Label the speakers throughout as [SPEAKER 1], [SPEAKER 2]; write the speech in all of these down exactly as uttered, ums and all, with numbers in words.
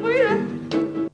[SPEAKER 1] buyurun.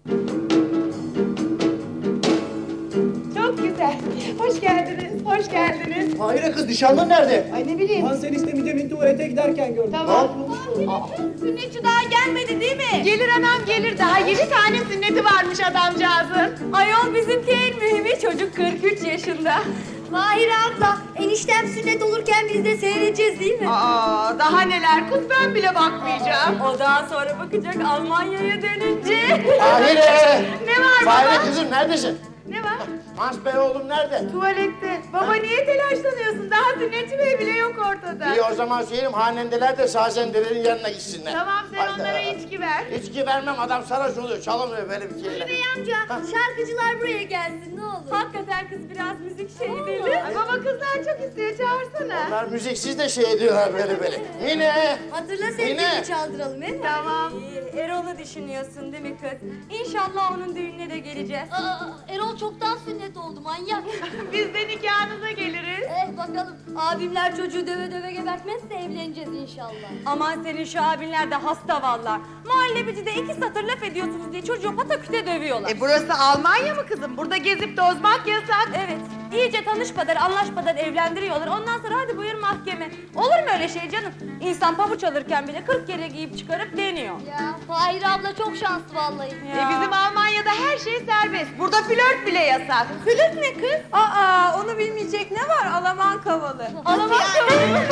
[SPEAKER 1] Çok güzel. Hoş geldiniz, hoş geldiniz.
[SPEAKER 2] Hayır kız, nişanlın nerede?
[SPEAKER 1] Ay ne bileyim.
[SPEAKER 2] Ben seni istemeyeceğim, tuvalete giderken gördüm.
[SPEAKER 1] Tamam.
[SPEAKER 3] Sünnetçi daha gelmedi değil mi?
[SPEAKER 1] Gelir anam gelir. Daha yedi tane sünneti varmış adamcağızın.
[SPEAKER 3] Ayol bizimki en mühimi, çocuk kırk üç yaşında. Mahir abla, eniştem sünnet olurken biz de seyredeceğiz değil mi?
[SPEAKER 1] Aa, daha neler kız, ben bile bakmayacağım.
[SPEAKER 3] O daha sonra bakacak Almanya'ya dönünce.
[SPEAKER 2] Fahire!
[SPEAKER 1] Ne var baba?
[SPEAKER 2] Fahire kızım, neredesin?
[SPEAKER 1] Ne var?
[SPEAKER 2] Hans Bey oğlum nerede?
[SPEAKER 1] Tuvalette. Baba niye telaşlanıyorsun? Daha sünnetçi bey bile yok ortada.
[SPEAKER 2] İyi o zaman söyleyeyim, hanendeler de sazendelerin yanına gitsinler.
[SPEAKER 1] Tamam sen
[SPEAKER 2] Haydi.
[SPEAKER 1] onlara içki ver.
[SPEAKER 2] İçki vermem, adam sarhoş oluyor, çalamıyor böyle bir şeyler.
[SPEAKER 3] Bey amca, şarkıcılar buraya gelsin ne olur. Hakikaten kız biraz müzik şeyi deli.
[SPEAKER 1] Ay baba kızlar çok istiyor, çağırsana.
[SPEAKER 2] Onlar müziksiz de şey ediyorlar böyle böyle. Mine!
[SPEAKER 3] Hatırla
[SPEAKER 2] Mine!
[SPEAKER 3] sevgilini çaldıralım he mi?
[SPEAKER 1] Tamam.
[SPEAKER 3] Ee, Erol'u düşünüyorsun değil mi kız? İnşallah onun düğününe de geleceğiz. Aa, Erol çoktan sünnet oldu manyak.
[SPEAKER 1] Biz de nikahınıza geliriz.
[SPEAKER 3] Eh bakalım abimler çocuğu döve döve gebertmezse evleneceğiz inşallah. Aman senin şu abinler de hasta valla. Muhallebicide iki satır laf ediyorsunuz diye çocuğu pataküte dövüyorlar.
[SPEAKER 1] E burası Almanya mı kızım? Burada gezip tozmak yasak.
[SPEAKER 3] Evet, iyice tanışmadan, anlaşmadan evlendiriyorlar. Ondan sonra hadi buyur mahkeme. Olur mu öyle şey canım? İnsan pabuç alırken bile kırk kere giyip çıkarıp deniyor.
[SPEAKER 4] Ya Fahir abla çok şanslı vallahi.
[SPEAKER 1] E bizim Almanya'da her şey serbest. Burada flört bile yasak.
[SPEAKER 3] Flört ne kız? Aa, onu bilmeyecek ne var? Alaman kavalı. Alaman kavalı mı?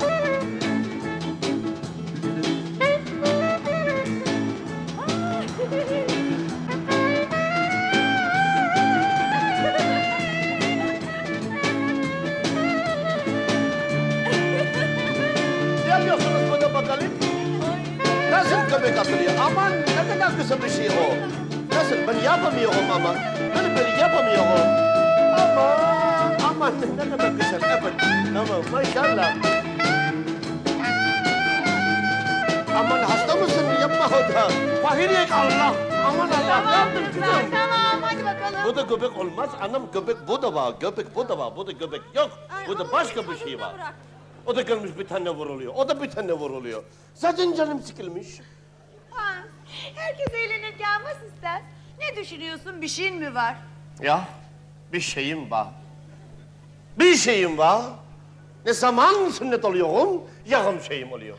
[SPEAKER 2] Ne yapıyorsunuz burada bakalım? Nasıl köpek atılıyor? Aman ne kadar kısa bir şey o. Nasıl? Ben yapamıyorum ama. Ben böyle yapamıyorum. Aman, aman ne kadar güzel. Evet, tamam maşallah. Aman hasta mısın? Yapma o da. Fahiriye Allah. Aman Allah. Ne yaptın kızım?
[SPEAKER 1] Tamam hadi bakalım.
[SPEAKER 2] Bu da göbek olmaz. Anam göbek bu da var. Göbek bu da var. Bu da göbek yok. Bu da başka bir şey var. O da gelmiş bir tane vuruluyor. O da bir tane vuruluyor. Zaten canım sıkılmış.
[SPEAKER 1] Ha, herkes eğlenirken mas ister. Ne düşünüyorsun? Bir şeyin mi var?
[SPEAKER 2] Ya bir şeyim var. Bir şeyim var. Ne zaman sünnet oluyorum, yarım şeyim oluyor.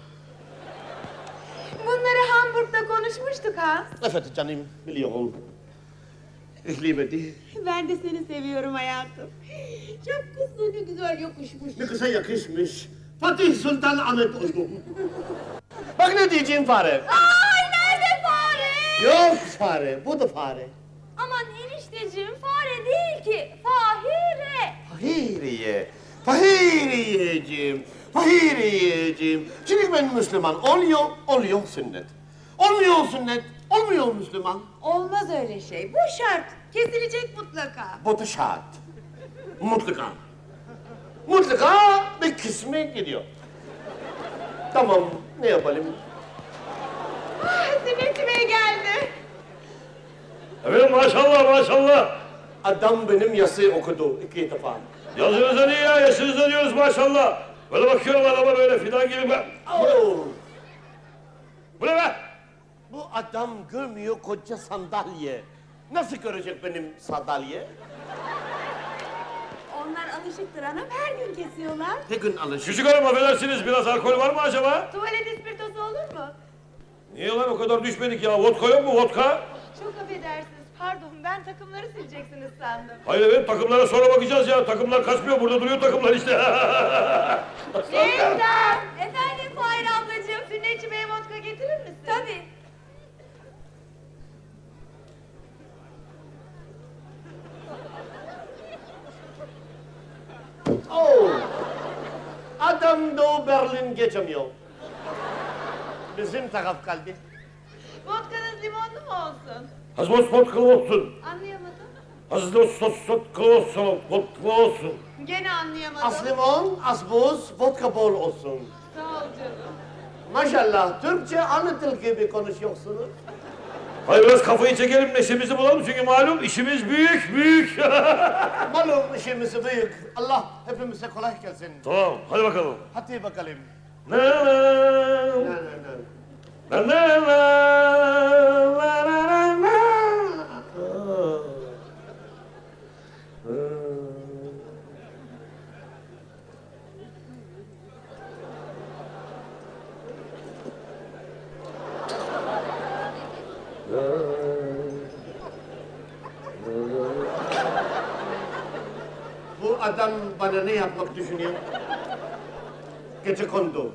[SPEAKER 1] Bunları Hamburg'da konuşmuştuk ha.
[SPEAKER 2] Evet canım, biliyorum. Ich liebe dich.
[SPEAKER 1] Ben de seni seviyorum hayatım. Çok kızlı ne güzel yakışmış.
[SPEAKER 2] Ne kısa yakışmış. Fatih Sultan Ahmet Uygun. Bak ne diyeceğim fare.
[SPEAKER 3] Ay nerede fare?
[SPEAKER 2] Yok fare, bu da fare.
[SPEAKER 3] Aman enişteciğim fare değil ki. Fahire.
[SPEAKER 2] Fahiriye, Fahiriyeciğim, Fahiriyeciğim. Şimdi ben Müslüman oluyor, oluyor sünnet. Olmuyor sünnet, olmuyor Müslüman.
[SPEAKER 1] Olmaz öyle şey. Bu şart. Kesilecek mutlaka.
[SPEAKER 2] Bu da şart. Mutlaka. Mutlaka bir kısmı gidiyor. Tamam, ne yapalım?
[SPEAKER 1] Ah, sünnetçi bey geldi.
[SPEAKER 5] Evet maşallah maşallah.
[SPEAKER 2] Adam benim yazıyı okudu iki defa.
[SPEAKER 5] Yazınıza niye ya? Yaşınıza diyoruz maşallah. Böyle bakıyorum adama böyle fidan gibi ben.
[SPEAKER 2] Oo,
[SPEAKER 5] Bu ne be?
[SPEAKER 2] bu adam görmüyor koca sandalye. Nasıl görecek benim sandalye?
[SPEAKER 1] Onlar alışıktır hanım. Her gün kesiyorlar.
[SPEAKER 2] Ne gün alışır.
[SPEAKER 5] Küçük hanım affedersiniz biraz alkol var mı acaba?
[SPEAKER 1] Tuvalet ispirtosu olur mu?
[SPEAKER 5] Niye lan o kadar düşmedik ya? Vodka yok mu vodka?
[SPEAKER 1] Çok affedersiniz. Pardon ben takımları sileceksiniz sandım.
[SPEAKER 5] Hayır efendim takımlara sonra bakacağız ya. Takımlar kaçmıyor burada duruyor takımlar işte.
[SPEAKER 1] Yeniden.
[SPEAKER 3] Efendim Fahir ablacığım.
[SPEAKER 1] Sünnetçi bey vodka getirir misin?
[SPEAKER 3] Tabii.
[SPEAKER 2] Oo, adam Doğu Berlin geçemiyor. Bizim taraf kaldı.
[SPEAKER 1] Vodkanız limonlu mu olsun?
[SPEAKER 5] Hazmos vodka olsun.
[SPEAKER 1] Anlayamadım.
[SPEAKER 5] Hazmos vodka olsun. Vodka olsun.
[SPEAKER 1] Gene anlayamadım.
[SPEAKER 2] Az limon, az buz, vodka bol olsun.
[SPEAKER 1] Sağ ol canım.
[SPEAKER 2] Maşallah, Türkçe anlatıl gibi konuşuyorsunuz.
[SPEAKER 5] Hayır biraz kafayı çekelim neşemizi bulalım çünkü malum işimiz büyük büyük.
[SPEAKER 2] Malum işimiz büyük. Allah hepimize kolay gelsin.
[SPEAKER 5] Tamam hadi bakalım.
[SPEAKER 2] Hadi bakalım.
[SPEAKER 5] Na na
[SPEAKER 2] Ne, ne, ne.
[SPEAKER 5] na na na na na
[SPEAKER 2] Bu adam bana ne yapmak düşünüyor? Gecekondu.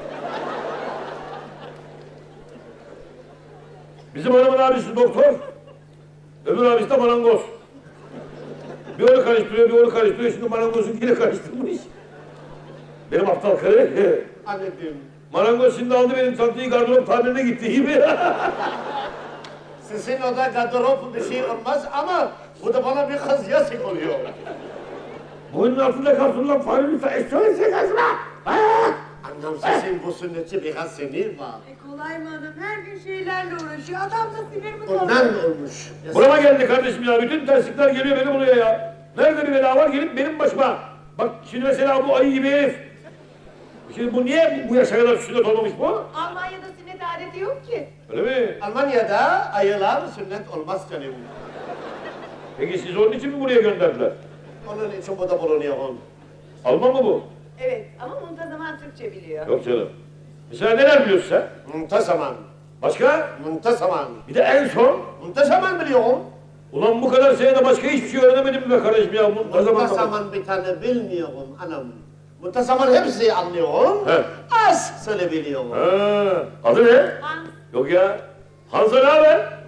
[SPEAKER 5] Bizim hanımın abisi doktor, öbür abisi de marangoz. Bir onu karıştırıyor, bir onu karıştırıyor, şimdi marangozunkiyle karıştırmış. Benim aptal karı.
[SPEAKER 2] Anladım.
[SPEAKER 5] Marangoz şimdi aldı benim çantayı gardırop tamirine gitti gibi.
[SPEAKER 2] Sizin oda gardırop bir şey olmaz ama bu da bana bir kız yazık oluyor.
[SPEAKER 5] Boynun altında kalsın lan fare lütfen eşyalı kazma.
[SPEAKER 2] Annem sizin bu sünnetçi biraz sinir var.
[SPEAKER 1] E kolay mı hanım? Her gün şeylerle uğraşıyor. Adam da sinir mi
[SPEAKER 2] Ondan olmuş.
[SPEAKER 5] Burama geldi kardeşim ya, bütün terslikler geliyor beni buluyor ya. Nerede bir bela var gelip benim başıma. Bak şimdi mesela bu ayı gibi herif. Şimdi bu niye bu yaşa kadar sünnet olmamış bu?
[SPEAKER 1] Almanya'da sünnet adeti yok ki.
[SPEAKER 5] Öyle mi?
[SPEAKER 2] Almanya'da ayılar sünnet olmaz canım.
[SPEAKER 5] Peki siz onun için mi buraya gönderdiler?
[SPEAKER 2] Onun için burada bulunuyorum.
[SPEAKER 5] Alman mı bu?
[SPEAKER 1] Evet ama muntazaman Türkçe biliyor.
[SPEAKER 5] Yok canım. Mesela neler biliyorsun sen?
[SPEAKER 2] Muntazaman.
[SPEAKER 5] Başka?
[SPEAKER 2] Muntazaman.
[SPEAKER 5] Bir de en son.
[SPEAKER 2] Muntazaman biliyorum.
[SPEAKER 5] Ulan bu kadar senede başka hiçbir şey öğrenemedim be kardeşim ya. Bu ne zaman
[SPEAKER 2] Muntazaman bir tane bilmiyorum anam. Muntazaman hepsi anlıyorum.
[SPEAKER 5] He.
[SPEAKER 2] Az söyleyebiliyorum.
[SPEAKER 5] Ha, adı ne?
[SPEAKER 1] Hans.
[SPEAKER 5] Yok ya. Hansa ne haber?